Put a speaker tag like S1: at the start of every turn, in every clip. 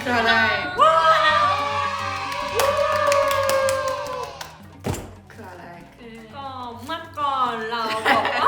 S1: คืออะไรคืออะไร
S2: ก็เมื่อก่อนเราบอกว่า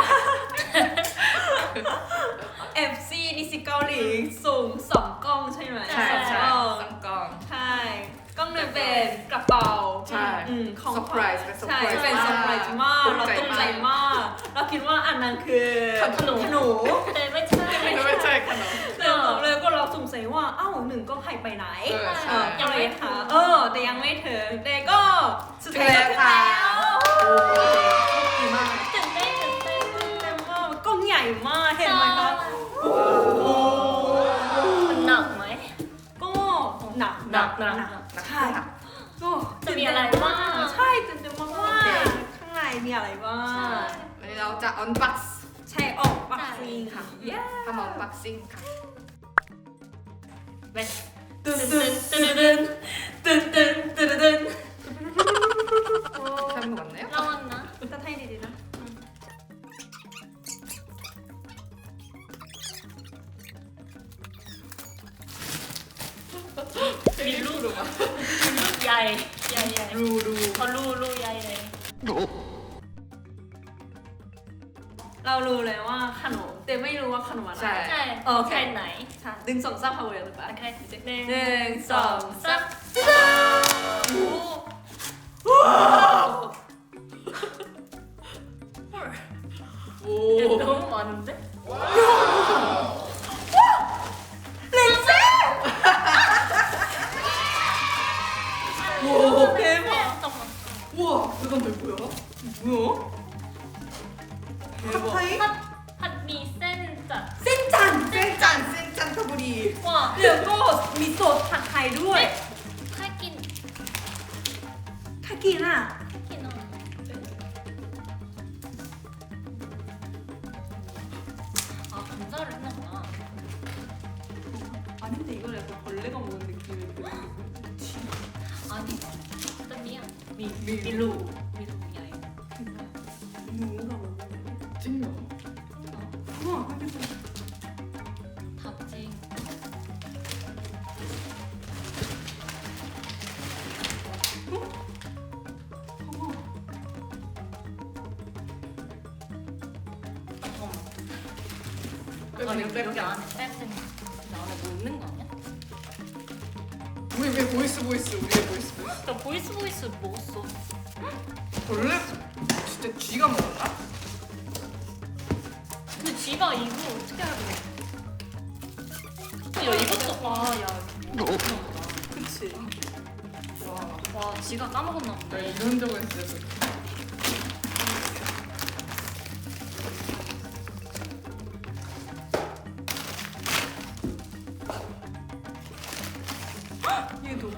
S2: FC นิสิตเกาหลีสูง2 กล้องใช่ไหม
S1: ใช่ใช่
S2: เออ
S1: ต้องกล้อง
S2: ใช่กล้องหนึ่งเป็นกระเป๋า
S1: ใช่
S2: ของ
S1: surprise เป็น
S2: ใช่
S1: surprise
S2: เป็น
S1: มาก
S2: เซอร์ไพรส์มาก
S1: ต
S2: เรา
S1: กใจ
S2: ตกใจ
S1: มาก
S2: มากเราคิดว่าอันนั้นคือ
S1: ขนม
S2: ขนม
S3: แต่ไม่ใช่
S1: ไม่ใช่ขนม
S2: เลยก็เราสงสัยว่าอ้าวหนึ่งก็หายไปไหน
S1: ใช่
S2: ยังไม่หาแต่ยังไม่ถึงแต่ก็สุดท้ายก็
S1: ถึ
S2: ถึ
S1: ง
S2: ง
S1: แล้
S2: แล้ว ว
S1: ดีมาก
S3: ตื่นเต้น
S2: เต็มมากกล้องใหญ่มากเห็นไหมคะ
S3: มันหนักไหม
S2: ก็หนัก
S3: หนัก
S2: ใช่ก็
S3: จะมีอะไรบ้าง
S2: ใช่ตื่นเต้นมากว่าข้างในมีอะไรบ้าง
S1: วันนี้เราจะ unbox
S2: ใช่ออกปักซิงค่ะ
S1: ทำ unboxing ค่ะ
S3: เว้ย
S2: ตื่นตื่นตื่นตื่นตื่นตื่นตื่นตื่น
S1: ทำหมดแล้ว
S3: ร้อนนะ
S2: จะให้ดีๆนะ
S3: มีลูกหรือวะมีลูกใหญ่ใหญ่
S1: ดู
S3: เขาลูกใหญ่เลย
S2: เรารู้เลยว่าขนมแต่ไม่รู้ว่าขนมอะไร
S1: ใช่
S3: ใช่
S2: โอเค
S3: แค่ไหน
S2: ใช่ดึงสองซ้ำพาวเวอร์หรือเปล่า
S3: โอเคห
S2: ห
S3: นึ่
S2: นึ่งสองสาม
S1: โอ้
S3: 너무 많은데?
S2: 냄새! 오 대박.
S3: 잠깐만.
S1: 우와 이건 왜 뭐야? 뭐야? 대박
S2: 핫파이?
S3: 핫미 센자.
S2: 센짠!
S1: 센짠 터부리
S3: 와.
S2: แล้วก็มีโซดผัดไทยด้วย
S3: 하긴
S2: ถ้ากินอ่ะ
S3: 하긴 아 감자를 했나구나.
S2: 아닌데 이걸 약간 벌레가 먹는 느낌이
S3: 아니 어떤이야?
S2: 밀루
S3: 미루야 이거.
S2: 누가 먹는 거야?
S1: 찐이야
S2: 우와 알겠어
S3: 답지. 잠깐만. 여기 안에 쌤은 나안에 뭐 있는 거 아니야?
S1: 우리 왜 보이스 우리의 보이스
S3: 나 보이스 먹었어.
S1: 원래 진짜 쥐가 먹었나?
S3: 근데 쥐가 이거 어떻게 알고? 야 이것도 아야
S2: 그치
S1: 와
S3: 와 쥐가 까먹었나 보다.
S1: 이런 적은 있어요
S2: 얘도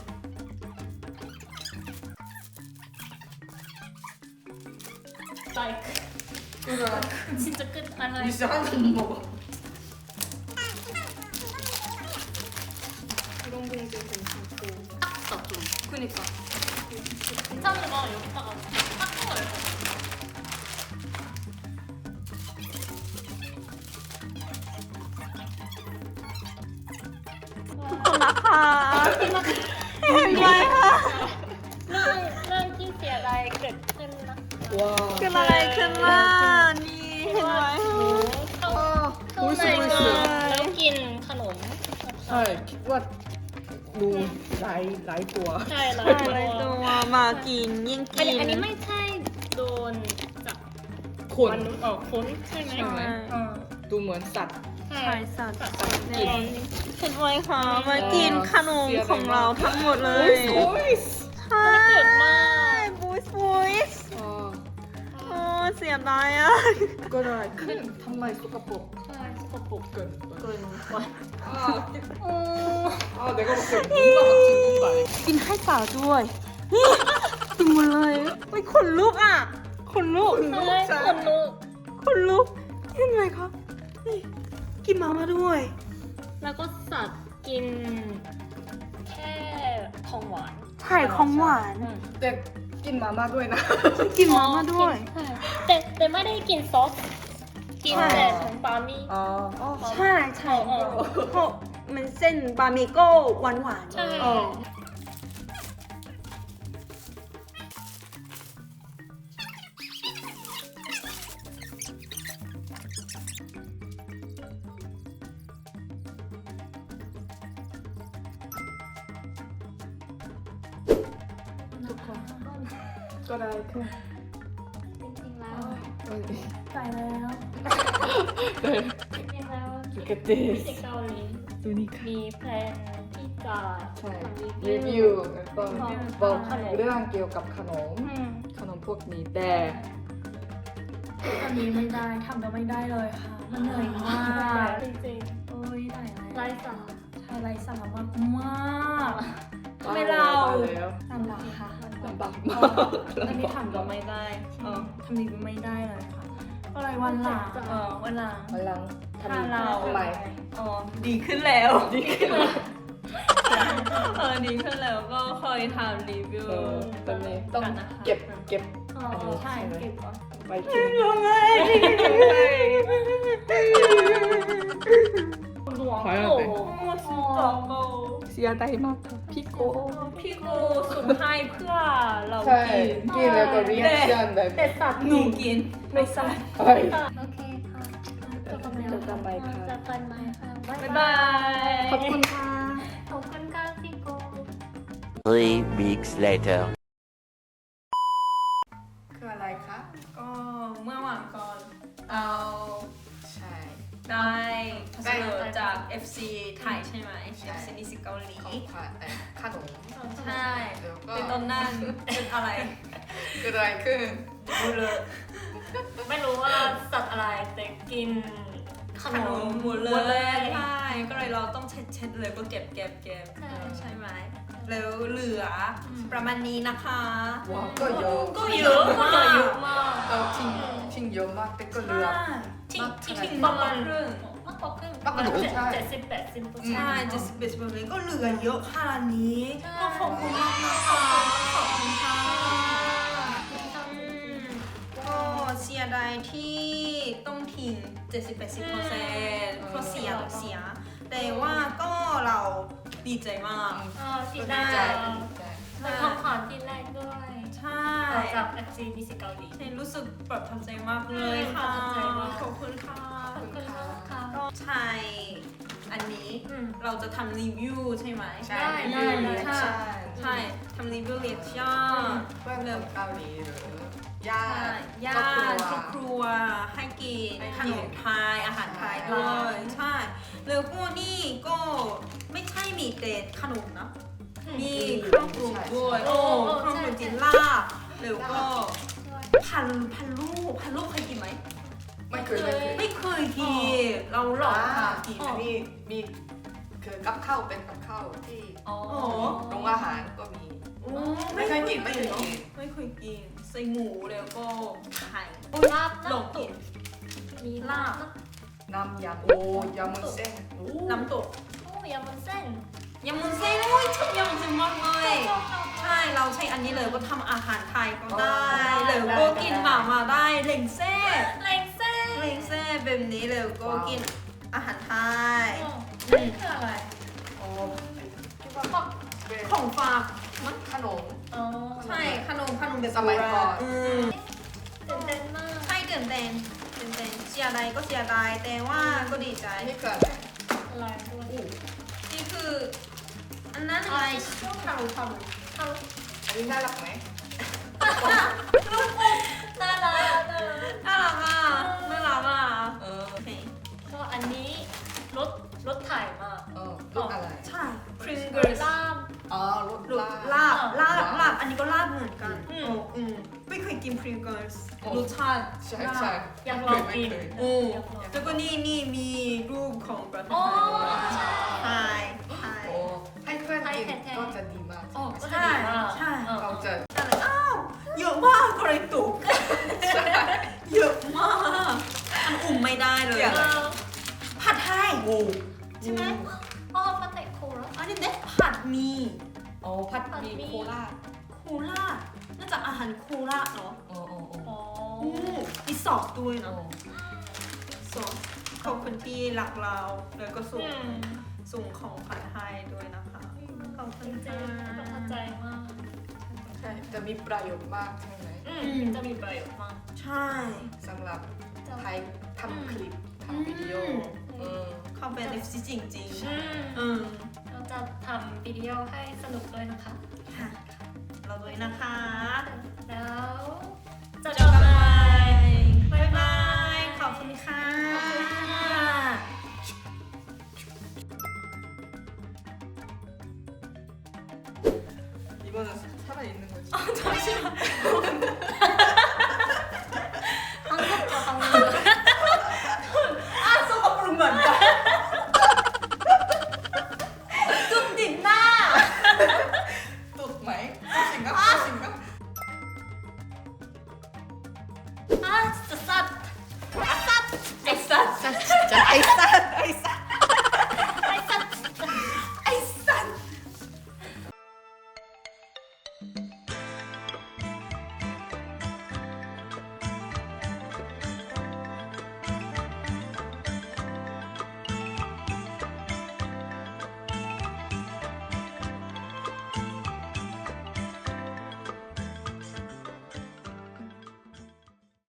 S3: 라이크.
S1: 그래
S3: 진짜 끝. 아
S1: 우리
S3: 라이크.
S1: 진짜 하나도 못 먹어
S2: 이런 공도 괜찮고
S3: 딱 좀.
S2: 그니까
S3: 괜찮은 거 여기다가 닦은 거 열고.
S2: 아, เห็นไหมคะ
S3: เรื่องที่เสียอะไรเกิดขึ้นนะ
S1: 와
S2: เกิดอะไรขึ้นล่ะนี่เห็นไหม
S3: เข้า
S1: 보이스
S3: ใน
S1: 보이스
S3: แล้วกินขนม
S1: ใช่คิดว่าดูหลายตัว
S3: ใช่แล้ว
S2: อะไรตัวมากินยิ่ง
S3: อั
S2: กิน
S3: นนี้ไม่ใช่โดนจาก
S1: คน
S3: คนใช่ไหม
S1: ใช่ไหม
S3: อ่า
S1: ดูเหมือนสัตว์
S3: ใช่
S2: ใช่สัตว์
S1: กิน
S2: เห็นไหมคะมากินขนมของเราทั้งหมดเลย
S1: โอ้ย
S2: ใช่
S3: เกิดมา
S2: บูสบูสโอ้เสียดายอ่ะ
S1: ก็ได้ขึ้นทำไมสกปรก
S3: ใช่สกปรก
S1: เกิน
S3: เกินไป
S1: 내가 볼때 뭔가 막 징그러워
S2: กินให้สาวด้วยนี่กินหมดเลยไม่ขนลุกอ่ะขนลุก
S3: ใช่คนลูก
S2: ขนลุกเห็นไหมคะนี่กินมาม่าด้วย
S3: แล้วก็สัตว์กินแค่ของหวาน
S2: ไข่ของหวาน
S1: แต่กินมาม่าด้วยนะ
S2: กินมาม่าด้วย
S3: ใช่แต่ไม่ได้กินซอสกินแต่ของปามี่
S1: อ๋อ
S2: ใช่ใช่
S3: อ๋อ
S2: เพราะมันเส้นบะหมี่ก็หวานหวานๆ
S3: ใช่
S2: เออทุกคนก็ได้คือ
S3: จริงๆแล้ว
S2: ไปแล้ว
S3: จริงๆแล้ว
S1: Look at
S3: ที่
S1: this
S3: เกาหลี
S1: ดูนี่ค่ะ
S3: มีแพลนที่จะ
S1: ใช่
S3: ทำ
S1: รีวิวแล้วก็บอกเรื่องเกี่ยวกับขนม
S3: อืม
S1: ขนมพวกนี้แต่
S2: อันนี้ไม่ได้ทำก็ไม่ได้เลยค่ะ มันเหนื่อยมาก
S3: จริง
S2: โอ้ยไหน
S3: ๆไร้สาระ
S2: ใช่ไรสาระมากมากไม่เรา
S1: แล้ว
S2: ลำบากค่ะ
S1: ลำบาก
S2: เอ
S1: มา
S2: อก อันนี้ทำก็ไม่ได้ทำดีก็ไม่ได้เลยค่ะก็เลยวันหลังวันหลัง
S1: วันหลัง
S2: ถ้าเรา
S1: ทำไม
S2: ดีขึ้นแล้ว
S1: ดีขึ้นแล้ว
S2: ดีขึ้นแล้วก็คอยทำรีวิว
S1: ตอนนี้ต้องเก็บอันนี้
S2: ใช่
S1: ใช่ไหม
S2: เก็บก่อน
S1: ไปกิน
S2: ยังไง
S3: หลวง
S1: ขอให้
S3: โอ้
S1: เรา
S3: โห
S1: ไป เสียใจมากค่ะพี่โก
S2: พี่กูสุ่มให้เพื่อเรา
S1: ใช่ กินแล้วก็ reaction แบบ
S3: แต่สัตว์
S2: หนูกินไม่ใส่
S1: เฮ้ย
S3: โอเคค่ะจบกัน
S1: จบกันไปค่ะ
S3: จบกันไหมค่ะบ๊าย
S2: บ๊าย
S3: บา
S2: บาย ย
S1: ขอบคุณค่ะ
S3: ขอบคุณค่ะพี่โก
S4: 3 weeks later.
S1: คืออะไรคะ
S2: ก็เมื่อวานก่อน
S1: ใช่
S2: ได้พัสดุจาก FC ไทยใช่ไหม
S1: ใช่
S2: FC นิสิตเกาหลี
S1: ของขวัญขนม
S2: ใช่
S1: แล้วก็
S2: เป็นต้นนั่นเป็นอะไร
S1: เกิดอะไรขึ้น
S3: รู้เลยไม่รู้ว่าสัตว์อะไรแต่กินข
S2: ข
S3: น
S2: น
S3: ม
S2: มหมดเลยใช่ก็เลยเราต้องเช็ดเลยก็เก็บใช่ไหมแล้วเหลือประมาณนี้นะคะ
S1: ว้าวก็เยอะ
S2: ก็เยอะมาก
S3: เยอะมาก
S1: เราทิ้งเยอะมากแต่ก็เหลือ
S3: ทิ้ง
S2: ทิ้ง
S3: ป
S2: ประ ระ
S3: มา
S2: มา
S3: ณ
S2: ณครึ่ง
S3: มากกว่าครึ่ง
S1: มากกว่าครึ่งใช่
S3: 70-80%
S2: ใช่71%ก็เหลือเยอะขนาดนี้
S3: ใช่
S2: ก็ขอบคุณมากนะคะขอบคุณค่ะก็เสียดายที่ต้องทิ้ง70-80%เพราะเสีย แต่ว่าก็เราดีใจมาก
S3: ที่ได้
S1: ใจ
S3: เป็นของขวัญที่แรกด้วย
S2: ใช่
S3: จาก FC นิสิตเกาหลี
S2: รู้สึกประทับใจมากเลยค่ะ
S3: ประทับใจมาก
S2: ขอบคุณค่ะ
S3: ขอบคุณมากค่ะ
S2: ก็ใช่ อันนี้เราจะทำรีวิวใช่ไหม
S1: ใช่
S3: ได้
S2: ใช่ทำรีวิวเรียกย่า
S1: เพื่อนเกาหลีหรือญา
S2: ใช่
S1: ติ
S2: ญาติครอบครัวให้กินขนมไทยอาหารไทยด้วยใช่แล้วก็นี่ก็ไม่ใช่มีแต่ขนมนะ มีเครื่องปรุงด้วยโอ้เครื่องปรุงจินลาบแล้วก็พันลูกเคยกินไหม
S1: ไม่เคยเลย
S2: ไม่เคยกินเราหลอกค่ะกิน
S1: อันนี้มีคือกับข้าวเป็นกับข้าวที่
S3: อ๋อ
S1: โรงอาหารก็มี
S2: โอ้
S1: ไม่เคยกินไม่เคยกิน
S2: ไม่เคยกินใส่หมูแล้วก็ไข่
S3: ลาบ
S2: ลองกิน
S3: มีลาบ
S1: น้ำยำโอ้ยำมุนเส้นโอ้
S2: น้ำตก
S3: โอ้ยำมันเส้น
S2: ยำมุนเส้นโอ้ยชอบยำมุนเส้นมากเลยใช่เราใช้อันนี้เลยก็ทำอาหารไทยก็ได้แล้วก็กินหมาได้เล้งเซ่
S3: เล็งเส้น
S2: เล้งเซ่แบบนี้แล้วก็กินอาหารไทย
S3: นี่คืออะไร
S1: โอ้
S3: คิดว่าก็
S1: เป็น
S2: ของฝาก
S1: ขนม
S3: อ๋อ
S2: ใช่ขนมแบบ
S1: สมัยก่อน
S3: ตื่นเต้นมาก
S2: ใช่ตื่นเต้นเสียดายก็เสียดายแต่ว่าก็ดีใจ
S1: นี่คืออะไร
S3: อะไรด้วย
S2: นี่คือ อันนั้นอะไรทารุ
S1: อันนี้น่ารักไหม
S3: น่ารัก
S2: น่ารักอ่ะโอเค
S3: ก็อันนี้รถถ่ายมาก
S1: ลูกอะไร
S2: ใช่ Pringles
S3: ลาบ
S1: อ๋อลูก
S2: ลาบอันนี้ก็ลาบเหมือนกันไม่เคยกิน Pringles รสชาติ
S1: ใช่ใช่
S3: อยากลองกิน
S2: แล้วก็นี่มีรูปของประเทศ
S3: อ๋อ
S2: ไทย
S1: โอ้ให้เพื่อนกินก็จะดีมาก
S3: อ๋อก็จะ
S2: ใช่
S3: ดีมาก
S2: ใช่
S1: เขาจะ
S2: อ้าวเยอะมากก็เลยตุกเยอะมากอันอุ่มไม่ได้เลย ผัดไทยใช่ไหม
S3: อ๋อปาเต็กโคแล้ว
S2: อันนี้เนี่ยผัดหมี
S1: อ๋อผัดหมี่โคราช
S2: โคราชน่าจะอาหารโคราชเนาะ
S1: อ๋อ
S3: อ๋อ
S2: มีซอสด้วยเนาะซอสขอบคุณที่รักเราแล้วก็ส่งส่งของขวัญให้ด้วยนะคะขอบคุณ
S3: จริ
S2: ค่ะ
S3: งๆประทับใจมาก
S1: ใช่จะมีประโยชน์มากใช่ไหม
S3: จะมีประโยชน์มาก
S2: ใช่
S1: สำหรับ
S3: จะ
S1: ไทยทำคลิปทำวิดีโอเออ
S2: เขาเป็น FC จริงๆ
S3: อืม
S2: อืม
S3: เราจะทำวิดีโอให้สนุกด้วยนะคะ
S2: ค่ะ เราด้วยนะคะ
S3: แล้วจะ
S2: เจอกันใหม่
S3: บ๊ายบา
S2: บ๊าย ย ขอบคุณค่ะ
S1: 이거는 살아있는 거지.
S2: 잠시만.
S3: 한국어 한국어
S2: 아, 소가 부른 거 아니야? 좀 뒷나.
S1: 또 마이? 뜻인가? 뜻인가?
S3: 아 진짜 쌉
S2: 아싸.
S1: 진짜 아이싸.